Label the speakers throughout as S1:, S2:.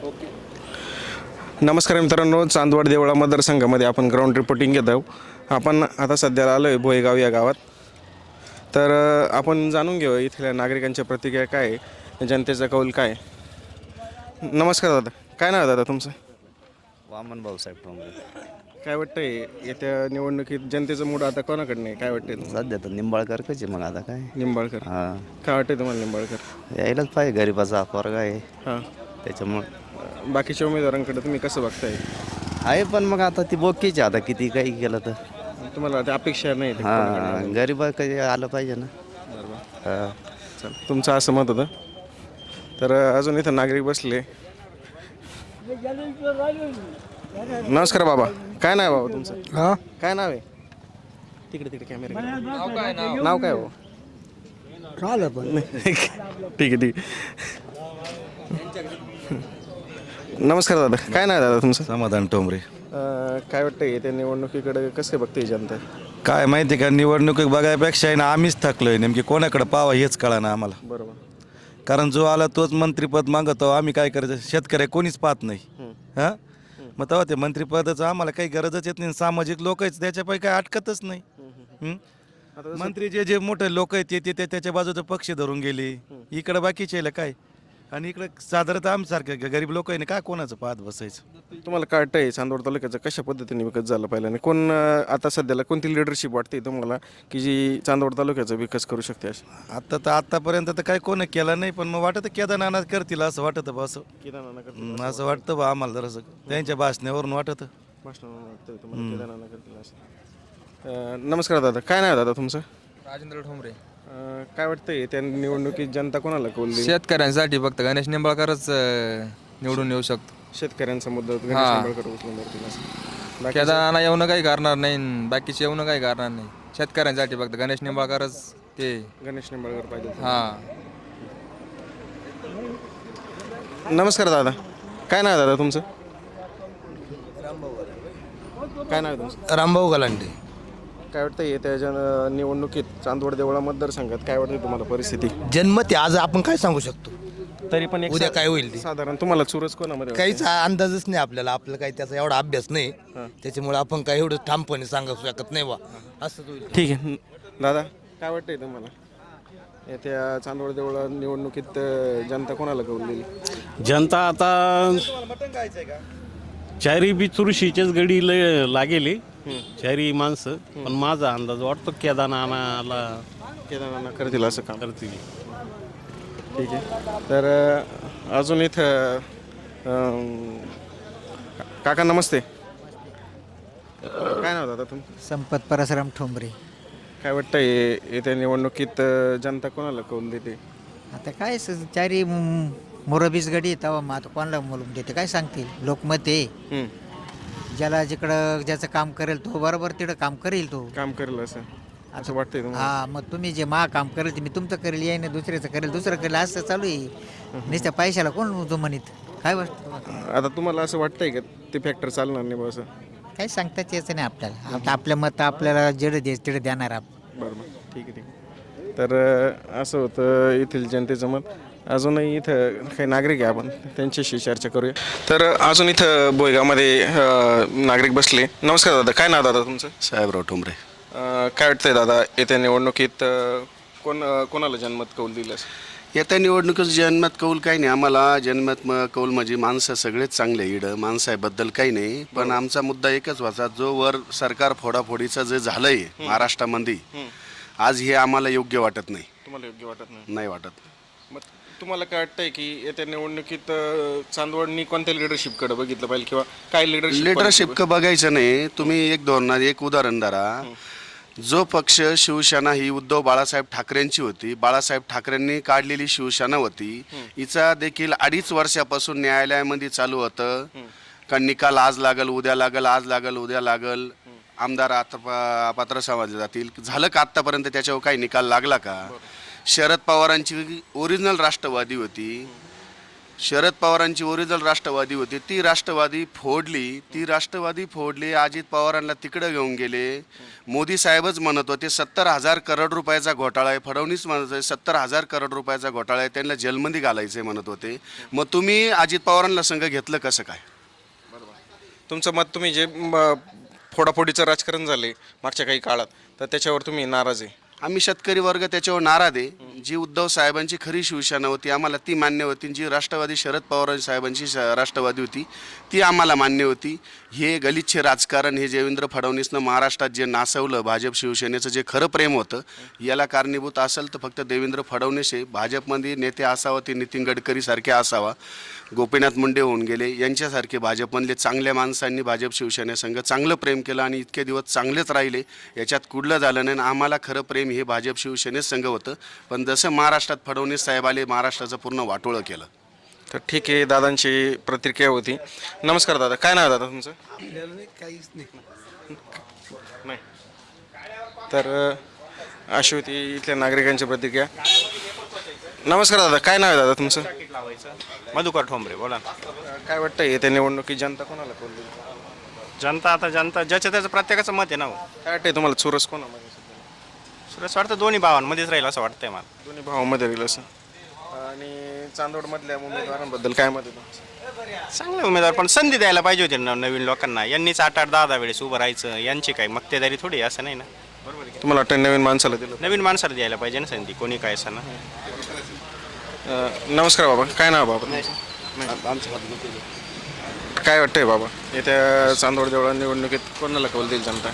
S1: नमस्कार मित्रांनो, चांदवड देवळा मतदारसंघामध्ये आपण ग्राउंड रिपोर्टिंग घेत आहोत. आपण आता सध्याला आलो आहे भोयगाव या गावात. तर आपण जाणून घेऊ इथल्या नागरिकांच्या प्रतिक्रिया काय आहे, जनतेचा कौल काय आहे. नमस्कार दादा, काय नाव आहे दादा तुमचं?
S2: वामन भाऊसाहेब ठोंबरे.
S1: काय वाटतंय येत्या निवडणुकीत जनतेचं मूड आता कोणाकडे नाही, काय वाटतंय तुम्हाला?
S2: सध्या तर निंबाळकर कसे मग आता काय
S1: निंबाळकर.
S2: हां
S1: काय वाटतंय तुम्हाला निंबाळकर?
S2: यायलाच पाहिजे, गरीबाचा पोरगा आहे
S1: हां.
S2: त्याच्यामुळं
S1: बाकीच्या उमेदवारांकडे तुम्ही कसं बघताय?
S2: आहे, पण मग आता ती बोकीची आता किती काही केलं तर
S1: तुम्हाला ते अपेक्षा नाही ते
S2: हां गरीबा काही आलं पाहिजे ना.
S1: बरोबर.
S2: हां
S1: चल, तुमचं असं मत होतं. तर अजून इथं नागरिक बसले. नमस्कार बाबा, काय नाव आहे बाबा तुमचं?
S3: हा
S1: काय नाव आहे? तिकडे तिकडे कॅमेरा. नाव काय हो?
S3: चालेल पण
S1: ठीक आहे ठीक आहे. नमस्कार दादा, काय नाव आहे दादा तुमचं?
S4: समाधान टोंबरे.
S1: काय वाटतंय त्या निवडणुकीकडे कसं बघते जनता?
S4: काय माहिती का, निवडणूक बघायपेक्षा आहे ना आम्हीच थकलोय. नेमकी कोणाकडे पावा हेच कळा ना आम्हाला.
S1: बरोबर.
S4: कारण जो आला तोच मंत्रीपद मागतो. आम्ही काय करायचं, शेतकरी कोणीच पाहत नाही. हां, मग तेव्हा ते मंत्रीपदाचं आम्हाला काही गरजच येत नाही. सामाजिक लोक आहेत त्याच्यापैकी काही अटकतच नाही. मंत्री जे जे मोठे लोक आहेत ते त्याच्या बाजूचा पक्ष धरून गेले. इकडे बाकीचे काय, आणि इकडे साधारणतः आमच्यासारखे गरीब लोक आहे ना, काय कोणाचं पाहत बसायचं.
S1: तुम्हाला काय वाटतंय चांदवड तालुक्याचं कशा पद्धतीने विकास झाला पाहिजे आणि कोण आता सध्याला कोणती लिडरशिप वाटते तुम्हाला की जी चांदवड तालुक्याचा विकास करू शकते अशी?
S4: आतापर्यंत तर काही कोण केलं नाही, पण मग वाटतं केदारनाथ करतील असं वाटतं बा. असं वाटतं बा आम्हाला जरासं त्यांच्या भाषणावरून वाटतं. नमस्कार दादा, काय नाही दादा तुमचं?
S5: राजेंद्र ठोंबरे.
S1: काय वाटतंय त्या निवडणुकीत जनता कोणाला कौल देईल?
S5: शेतकऱ्यांसाठी फक्त गणेश निंबाळकरच निवडून येऊ शकतो.
S1: शेतकऱ्यांचा मुद्दा गणेश
S5: हां.
S1: निंबाळकर उचलून धरतील असं. बाकी
S5: केदारनाथ येऊन काही करणार नाही आणि बाकीचे येऊन काही करणार नाही. शेतकऱ्यांसाठी फक्त गणेश निंबाळकरच ते.
S1: गणेश निंबाळकर पाहिजे.
S5: हां.
S1: नमस्कार दादा, काय नाव आहे दादा तुमचं? काय नाव आहे तुमचं?
S3: रामभाऊ गलांडे.
S1: काय वाटतं येत्या निवडणुकीत चांदवड देवळा मतदारसंघात काय वाटतं तुम्हाला परिस्थिती?
S3: जन्मते आज आपण काय सांगू शकतो,
S1: तरी पण एक
S3: उद्या काय होईल ते
S1: साधारण तुम्हाला चुरस कोणामध्ये
S3: काहीच अंदाजच नाही आपल्याला. आपल्याला काही त्याचा एवढा अभ्यास नाही, त्याच्यामुळे आपण काही एवढं ठामपणे सांगू शकत नाही बा असं होईल.
S1: ठीक आहे दादा, काय वाटतंय तुम्हाला येत्या चांदवड देवळा निवडणुकीत जनता कोणाला कौल देईल?
S6: जनता आता चारी बी चुरशीचेच गडी लागेले, चारी माणसं. पण माझा अंदाज वाटतो
S1: केदारनाथ करतील असं काम.
S6: करतील.
S1: ठीक आहे. तर अजून इथं काका नमस्ते, काय नाव दादा तुमचं?
S7: संपत परसराम ठोंबरे.
S1: काय वाटतंय येत्या निवडणुकीत जनता कोणाला कौल देते?
S7: आता काय चारी मोरबीस गडी तेव्हा मग आता कोणाला बोलून देते काय सांगतील. लोकमत आहे, ज्याला जिकडं ज्याचं काम करेल तो बरोबर तिकडं काम करेल तो.
S1: काम करेल असं वाटतंय तुम्हाला?
S7: हा, मग तुम्ही जे काम करेल ते मी तुमचं करेल, याय ना दुसऱ्याचं करेल, दुसरं करेल, असं चालू आहे. नुसत्या पैशाला कोण जो म्हणत काय वाटतं तुम्हाला?
S1: आता तुम्हाला असं वाटतंय का ते फॅक्टर चालणार नाही बा असं?
S7: काही सांगताच यायचं नाही आपल्याला. आता आपल्या मत आपल्याला जेवढं द्यायचं तिकडे देणार आपण.
S1: बरोबर. ठीक आहे ठीक आहे. तर असं होतं येथील जनतेचं मत. अजूनही इथं काही नागरिक आहे, आपण त्यांच्याशी चर्चा करूया. तर अजून इथं बोयगावमध्ये नागरिक बसले. नमस्कार दादा, काय नाव दादा तुमचं?
S4: साहेबराव टोंबरे.
S1: काय वाटतंय दादा येत्या निवडणुकीत कोणाला जनमत कौल दिलं?
S8: येत्या निवडणुकीत जनमत कौल काही नाही आम्हाला. जनमत कौल म्हणजे माणसं सगळेच चांगले, इडं माणसाबद्दल काही नाही. पण आमचा मुद्दा एकच व्हायचा, जो वर सरकार फोडाफोडीचं जे झालंय महाराष्ट्रामध्ये आज हे आम्हाला योग्य वाटत नाही.
S1: तुम्हाला योग्य वाटत नाही?
S8: नाही वाटत.
S1: मग तुम्हाला काय वाटतंय की येत्या निवडणुकीत चांदवडनी कोणत्या लिडरशिपकडे बघितलं पाहिजे किंवा काय
S8: लिडरशिप बघायचं नाही. तुम्ही एक धोरणात एक उदाहरण धरा. जो पक्ष शिवसेना ही उद्धव बाळासाहेब ठाकरेंची होती, बाळासाहेब ठाकरेंनी काढलेली शिवसेना होती, हिचा देखील 2.5 वर्षापासून न्यायालयामध्ये चालू होतं का निकाल आज लागल उद्या लागल, आज लागल उद्या लागल, आमदार आता अपात्र समजले जातील. झालं का आत्तापर्यंत त्याच्यावर काही निकाल लागला का? शरद पवारांची ओरिजिनल राष्ट्रवादी होती, शरद पवारांची ओरिजिनल राष्ट्रवादी होती, ती राष्ट्रवादी फोडली. अजित पवारांना तिकडं घेऊन गेले. मोदी साहेबच म्हणत होते 70,000 करोड रुपयाचा घोटाळा आहे. फडणवीस म्हणत होते 70,000 करोड रुपयाचा घोटाळा आहे, त्यांना जेलमध्ये घालायचे म्हणत होते. मग तुम्ही अजित पवारांना संघ घेतलं कसं काय?
S1: तुमचं मत, तुम्ही जे फोडाफोडीचं राजकारण झाले मागच्या काही काळात, तर त्याच्यावर तुम्ही नाराज आहे?
S8: आम्ही शेतकरी वर्ग त्याच्यावर नाराज आहे. जी उद्धव साहेबांची खरी शिवसेना होती आम्हाला ती मान्य होती. जी राष्ट्रवादी शरद पवार साहेबांची राष्ट्रवादी होती ती आम्हाला मान्य होती. हे गलिच्छ राजकारण, हे देवेंद्र फडणवीसनं महाराष्ट्रात जे नासवलं, भाजप शिवसेनेचं जे खरं प्रेम होतं, याला कारणीभूत असेल तर फक्त देवेंद्र फडणवीस आहे. भाजपमध्ये नेते असावा ते नितीन गडकरीसारखे असावा, गोपीनाथ मुंडे होऊन गेले, यांच्यासारखे भाजपमधले चांगल्या माणसांनी भाजप शिवसेनेसंघ चांगलं प्रेम केलं आणि इतके दिवस चांगलेच राहिले. याच्यात कुठलं झालं नाही. आम्हाला खरं प्रेम हे भाजप शिवसेनेत संघ होतं. पण जसं महाराष्ट्रात फडणवीस साहेब आले, महाराष्ट्राचं पूर्ण वाटोळं केलं.
S1: तर ठीक आहे, दादांची प्रतिक्रिया होती. नमस्कार दादा, काय नाव आहे दादा तुमचं?
S2: काहीच नाही.
S1: नाही. तर अशी होती इथल्या नागरिकांची प्रतिक्रिया. नमस्कार दादा, काय नाव आहे दादा तुमचं?
S9: मधुकर ठोंबरे, बोला ना.
S1: काय वाटतं येत्या निवडणुकीत जनता कोणाला कौल देईल?
S9: जनता ज्याचं त्याचं प्रत्येकाचं मत आहे ना हो.
S1: काय वाटतंय तुम्हाला, चुरस कोणामध्ये?
S9: सुरेश वाटतं दोन्ही भावांमध्येच राहील असं वाटतंय मला.
S1: दोन्ही भावामध्ये राहील असं. आणि चांदवडमधल्या उमेदवारांबद्दल काय मत आहे तुमचं?
S9: चांगले उमेदवार, पण संधी द्यायला पाहिजे होती ना नवीन लोकांना. यांनीच 8-8, 10-10 वेळेस उभं राहायचं, यांची काही मक्तेदारी थोडी असं नाही ना. बरोबर आहे.
S1: तुम्हाला वाटतं नवीन माणसाला दिलं?
S9: नवीन माणसाला द्यायला पाहिजे ना संधी, कोणी काय असं ना.
S1: नमस्कार बाबा, काय नाव बाबा तुमचं? काय वाटतंय बाबा येत्या चांदवड देवळा निवडणुकीत कोणाला कौल देईल जनता?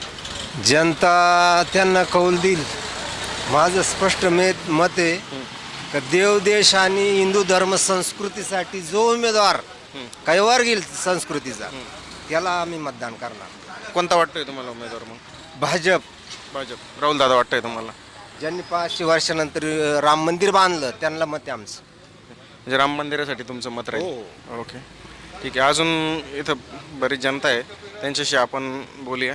S10: जनता त्यांना कौल देईल. माझं स्पष्ट मत आहे का देव देश आणि हिंदू धर्म संस्कृतीसाठी जो उमेदवार काही वर घेईल संस्कृतीचा, त्याला आम्ही मतदान करणार.
S1: कोणता वाटतोय तुम्हाला उमेदवार मग?
S10: भाजप.
S1: राहुल दादा वाटतंय तुम्हाला?
S10: ज्यांनी 500 वर्षानंतर राम मंदिर बांधलं त्यांना मत आहे आमचं.
S1: म्हणजे राम मंदिरासाठी तुमचं मत राहील? ओके, ठीक आहे. अजून इथं बरीच जनता आहे, त्यांच्याशी आपण बोलूया.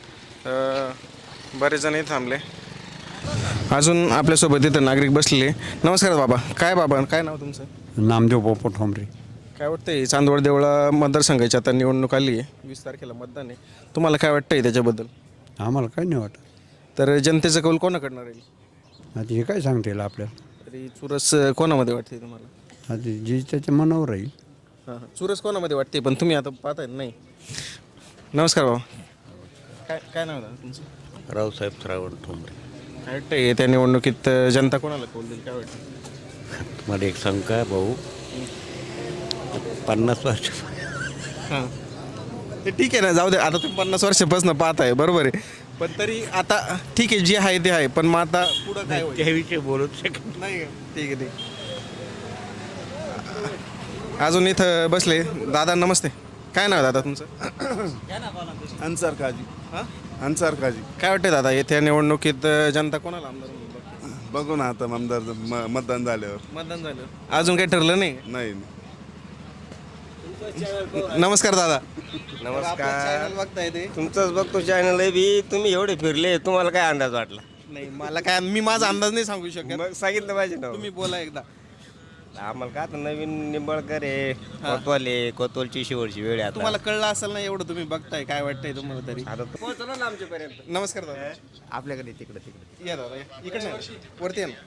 S1: बरेच जणही थांबले. अजून आपल्यासोबत इथं नागरिक बसलेले. नमस्कार बाबा, काय नाव तुमचं?
S11: नामदेव पोपट ठोंबरे.
S1: काय वाटतंय चांदवड देवळा मतदारसंघाची आता निवडणूक आली आहे, 20 तारखेला मतदान आहे, तुम्हाला काय वाटतंय त्याच्याबद्दल?
S11: आम्हाला काही नाही वाटत.
S1: तर जनतेचं कौल कोणाकडनं राहील?
S11: आता हे काय सांगता येईल आपल्याला.
S1: तरी चुरस कोणामध्ये वाटते तुम्हाला?
S11: आता जे त्याच्या मनावर राहील.
S1: चुरस कोणामध्ये वाटते, पण तुम्ही आता पाहताय नाही. नमस्कार बाबा, काय नाव आहे तुमचं?
S2: रावसाहेब श्रावण ठोंबरे.
S1: काय वाटतंय त्या निवडणुकीत जनता कोणाला कौल देईल, काय वाटतं?
S2: मला एक सांग का भाऊ, 50 वर्ष
S1: हां, ते ठीक आहे ना, जाऊ दे. आता तुम्ही 50 वर्षापासून पाहताय, बरोबर आहे. पण तरी आता ठीक आहे, जे आहे ते आहे. पण मग आता पुढं काय होईल
S2: त्याविषयी बोलत शकत
S1: नाही. ठीक आहे, ठीक. अजून इथं बसले दादा. नमस्ते, काय नाव दादा तुमचं?
S4: अन्सार काजी. अन्सार काजी.
S1: काय वाटतं दादा येत्या निवडणुकीत जनता कोणाला आमदार म्हणून बघते?
S4: बघू ना आता आमदार मतदान झाल्यावर.
S1: मतदान झालं, अजून काही ठरलं नाही?
S4: नाही.
S1: नमस्कार दादा.
S10: नमस्कार. बघताय ते तुमचंच बघतो चॅनल आहे बी. तुम्ही एवढे फिरले, तुम्हाला काय अंदाज वाटला?
S1: नाही, मला काय, मी माझा अंदाज नाही सांगू शकत.
S10: मग सांगितलं पाहिजे ना.
S1: तुम्ही बोला एकदा.
S10: आम्हाला का आता नवीन निंबाळकर आहे, कोतवालची शेवटची वेळ आहे आता.
S1: तुम्हाला कळलं असेल ना, एवढं तुम्ही बघताय, काय वाटतंय तुम्हाला तरी?
S10: आता पोहोचलो ना आमच्यापर्यंत.
S1: नमस्कार दादा.
S10: आपल्याकडे तिकडे
S1: या दादा, या. इकडे नाही, वरती या ना.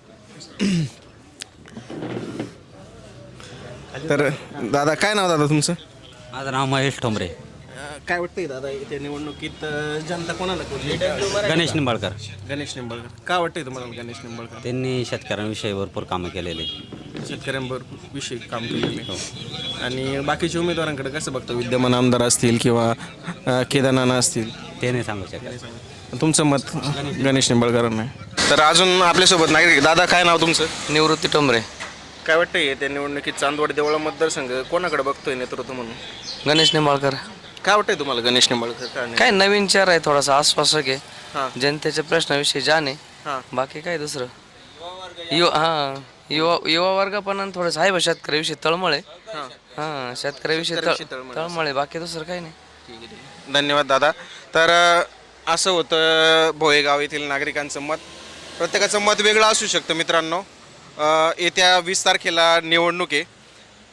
S1: तर दादा, काय नाव दादा तुमचं?
S12: माझं नाव महेश ठोंबरे.
S1: काय वाटतंय दादा येत्या निवडणुकीत जनता कोणाला कौल देईल?
S12: गणेश निंबाळकर.
S1: गणेश निंबाळकर. काय वाटतंय तुम्हाला गणेश निंबाळकर?
S12: त्यांनी शेतकऱ्यांविषयी भरपूर कामं केलेले.
S1: शेतकऱ्यांबरोबर विषयी काम केलेले. आणि बाकीच्या उमेदवारांकडे कसं बघतो? विद्यमान आमदार असतील किंवा केदारनाथ असतील,
S12: ते नाही सांगू शकत.
S1: तुमचं मत गणेश निंबाळकरांना आहे. तर अजून आपल्यासोबत नागरिक. दादा, काय नाव तुमचं?
S5: निवृत्ती टोंबरे.
S1: काय वाटतंय त्या निवडणुकीत चांदवड देवळा मतदारसंघ कोणाकडे बघतोय नेतृत्व म्हणून?
S5: गणेश निंबाळकर.
S1: काय वाटतंय तुम्हाला गणेश निंबाळकर?
S5: काय नवीन चेहरा आहे, थोडासा आश्वासक आहे,
S1: हां.
S5: जनतेच्या प्रश्नाविषयी जाणे,
S1: हां.
S5: बाकी काय दुसरं. युवा वर्ग पण थोडंसं आहे बा शेतकऱ्याविषयी तळमळ आहे. हां, शेतकऱ्याविषयी तळमळ आहे, बाकी दुसरं काही नाही.
S1: धन्यवाद दादा. तर असं होतं भोयेगाव येथील नागरिकांचं मत. प्रत्येकाचं मत वेगळं असू शकतं मित्रांनो. येत्या 20 तारखेला निवडणूक आहे.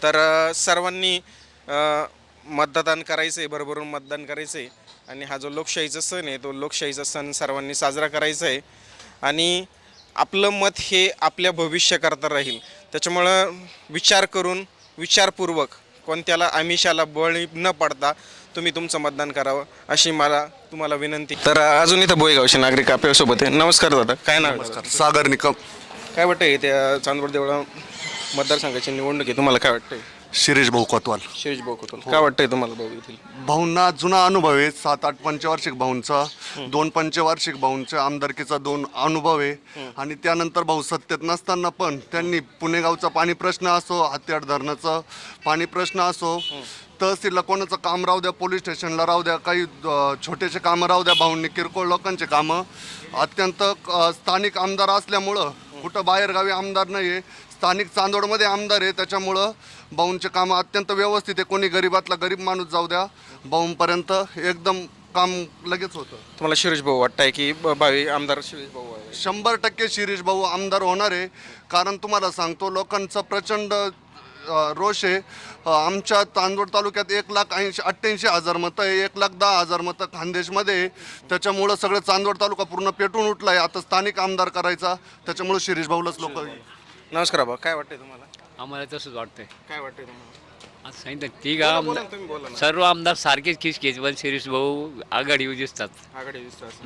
S1: तर सर्वांनी मतदान करायचं आहे, भरभरून मतदान करायचं आहे आणि हा जो लोकशाहीचा सण आहे तो लोकशाहीचा सण सर्वांनी साजरा करायचा आहे आणि आपलं मत हे आपल्या भविष्याकरता राहील. त्याच्यामुळं विचार करून विचारपूर्वक कोणत्याला आमिषाला बळी न पडता तुम्ही तुमचं मतदान करावं अशी मला तुम्हाला विनंती. तर अजून इथं बोयगावचे नागरिक आपल्यासोबत आहे. नमस्कार दादा, काय नाव आहे दादा?
S8: सागर निकम.
S1: काय वाटतंय त्या चांदवड देवळा मतदारसंघाची निवडणूक आहे, तुम्हाला काय वाटतंय?
S8: शिरीष भाऊ कोतवाल.
S1: शिरीष भाऊ कोतवाल, काय वाटतंय तुम्हाला भाऊ येथील?
S8: भाऊंना जुना अनुभव आहे, 7-8 पंचवार्षिक भाऊंचा, 2 पंचवार्षिक भाऊंचा आमदारकीचा 2 अनुभव आहे आणि त्यानंतर भाऊ सत्तेत नसताना पण त्यांनी पुणेगावचा पाणी प्रश्न असो, हत्यार धरणाचा पाणी प्रश्न असो, तहसीलला कोणाचं काम राहू द्या, पोलीस स्टेशनला राहू द्या, काही छोटेसे कामं राहू द्या, भाऊंनी किरकोळ लोकांचे कामं अत्यंत स्थानिक आमदार असल्यामुळं कुठं बाहेरगावी आमदार नाही आहे, स्थानिक चांदोडमध्ये आमदार आहे, त्याच्यामुळं भाऊंचे कामं अत्यंत व्यवस्थित आहे. कोणी गरीबातला गरीब माणूस जाऊ द्या, भाऊंपर्यंत एकदम काम लगेच होतं.
S1: तुम्हाला शिरीष भाऊ वाटतंय की भावी आमदार शिरीष भाऊ आहे?
S8: 100% शिरीष भाऊ आमदार होणार आहे. कारण तुम्हाला सांगतो लोकांचा प्रचंड रोष आहे. आमच्या चांदवड तालुक्यात 1,88,000 मतं आहे, 1,10,000 मतं खानदेशमध्ये आहे. त्याच्यामुळं सगळं चांदवड तालुका पूर्ण पेटून उठला आहे. आता स्थानिक आमदार करायचा, त्याच्यामुळं शिरीष भाऊलाच लोक.
S1: नमस्कार बाबा, काय वाटतंय तुम्हाला?
S13: आम्हाला तसंच वाटतंय.
S1: काय वाटतंय तुम्हाला?
S13: आज सांगितलं
S1: तुम्ही बोला ना.
S13: सर्व आमदार सारखेच खिचखिच, पण शिरीष भाऊ आघाडीवर दिसतात.
S1: आघाडी दिसतात.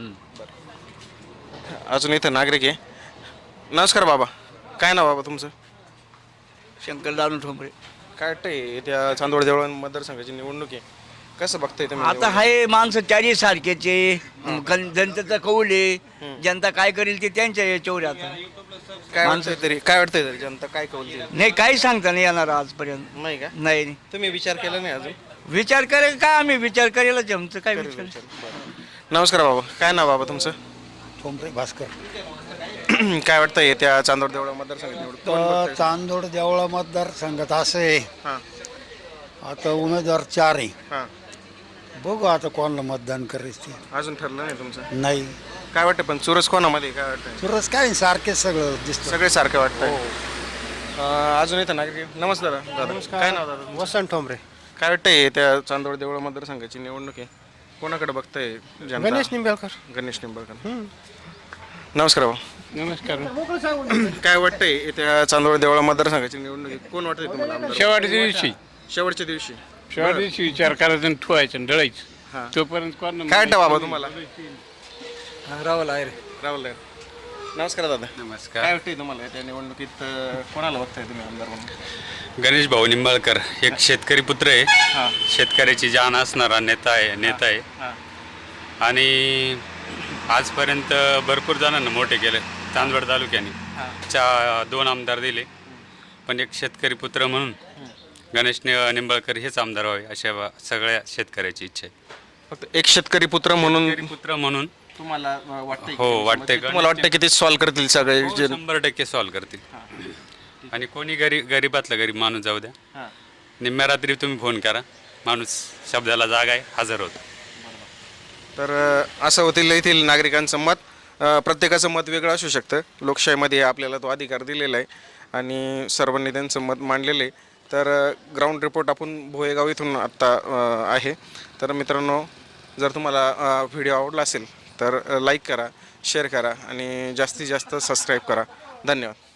S1: अजून इथं नागरिक आहे. नमस्कार बाबा, काय नाव बाबा तुमचं?
S2: शंकर दानू ठोंबरे.
S1: काय वाटतंय त्या चांदवड देवळा मतदारसंघाची निवडणूक आहे, कसं बघताय तुम्ही?
S2: आता हाय माणसं चारी सारखेचे, जनतेचा कौल आहे, जनता काय करेल ते त्यांच्या याच्यावर आता.
S1: काय वाटतंय तरी जनता काय कौल देईल?
S2: नाही काही सांगता नाही येणार आजपर्यंत.
S1: नाही का?
S2: नाही
S1: तुम्ही विचार केला नाही अजून?
S2: विचार करेल काय, आम्ही विचार करेलच, आमचं काय विचार.
S1: नमस्कार बाबा, काय नाव बाबा तुमचं?
S10: ठोंबरे भास्कर.
S1: काय वाटतंय त्या चांदवड देवळा मतदारसंघाची निवडणूक?
S10: चांदोड देवळा मतदारसंघात असं आहे,
S1: हां
S10: आता उमेदवार 4 आहे.
S1: हां,
S10: बघू आता कोणाला मतदान करायचं ते.
S1: अजून ठरलं नाही तुमचं?
S10: नाही
S1: काय वाटतं पण चुरस कोणामध्ये काय वाटतंय?
S10: सुरस काय सारखे सगळं दिसतं.
S1: सगळे सारखे वाटतंय. अजून इथं नागरिक. नमस्कार दादा, काय नाव दादा?
S10: वसंत ठोंबरे.
S1: काय वाटतंय त्या चांदवड देवळा मतदारसंघाची निवडणूक आहे, कोणाकडे बघताय जनता?
S10: गणेश निंबाळकर.
S1: गणेश निंबाळकर. नमस्कार भाऊ,
S6: नमस्कार.
S1: काय वाटतंय त्या चांदवड देवळा मतदारसंघाची निवडणूक आहे, कोण वाटतंय तुम्हाला आमदार?
S6: शेवटच्या दिवशी
S1: शेवटच्या दिवशी
S6: विचार करायचा आणि ठेवायचं आणि
S1: हां.
S6: ढळायचं तोपर्यंत कोण.
S1: काय वाटतं बाबा तुम्हाला?
S2: राहुल आहे.
S1: राहुल आहे. नमस्कार दादा,
S12: नमस्कार.
S1: काय वाटतंय तुम्हाला त्या निवडणुकीत कोणाला बघताय तुम्ही आमदार म्हणून?
S12: गणेश भाऊ निंबाळकर एक शेतकरी पुत्र आहे,
S1: हां
S12: शेतकऱ्याची जाण असणारा नेता आहे
S1: हां
S12: आणि आजपर्यंत भरपूर जणांना मोठे केले चांदवड तालुक्याने. 2 आमदार दिले, पण एक शेतकरी पुत्र म्हणून गणेश निंबाळकर हेच आमदार व्हावे अशा सगळ्या शेतकऱ्याची इच्छा आहे.
S1: फक्त एक शेतकरी पुत्र म्हणून
S12: तुम्हाला
S1: वाटतंय?
S12: हो वाटतंय.
S1: तुम्हाला वाटतं की ते सॉल्व्ह करतील सगळे?
S12: 100% सॉल्व्ह करतील. आणि कोणी गरीबातला गरीब माणूस जाऊ द्या,
S1: हां.
S12: निम्म्या रात्री तुम्ही फोन करा, माणूस शब्दाला जागा आहे, हजर होतो.
S1: तर असं होतील येथील नागरिकांचं मत. प्रत्येकाचं मत वेगळं असू शकतं. लोकशाहीमध्ये आपल्याला तो अधिकार दिलेला आहे आणि सर्वांनी त्यांचं मत मांडलेलं आहे. तर ग्राउंड रिपोर्ट आपण भोयेगाव इथून आत्ता आहे. तर मित्रांनो, जर तुम्हाला व्हिडिओ आवडला असेल तर लाईक करा, शेअर करा आणि जास्तीत जास्त सबस्क्राईब करा. धन्यवाद.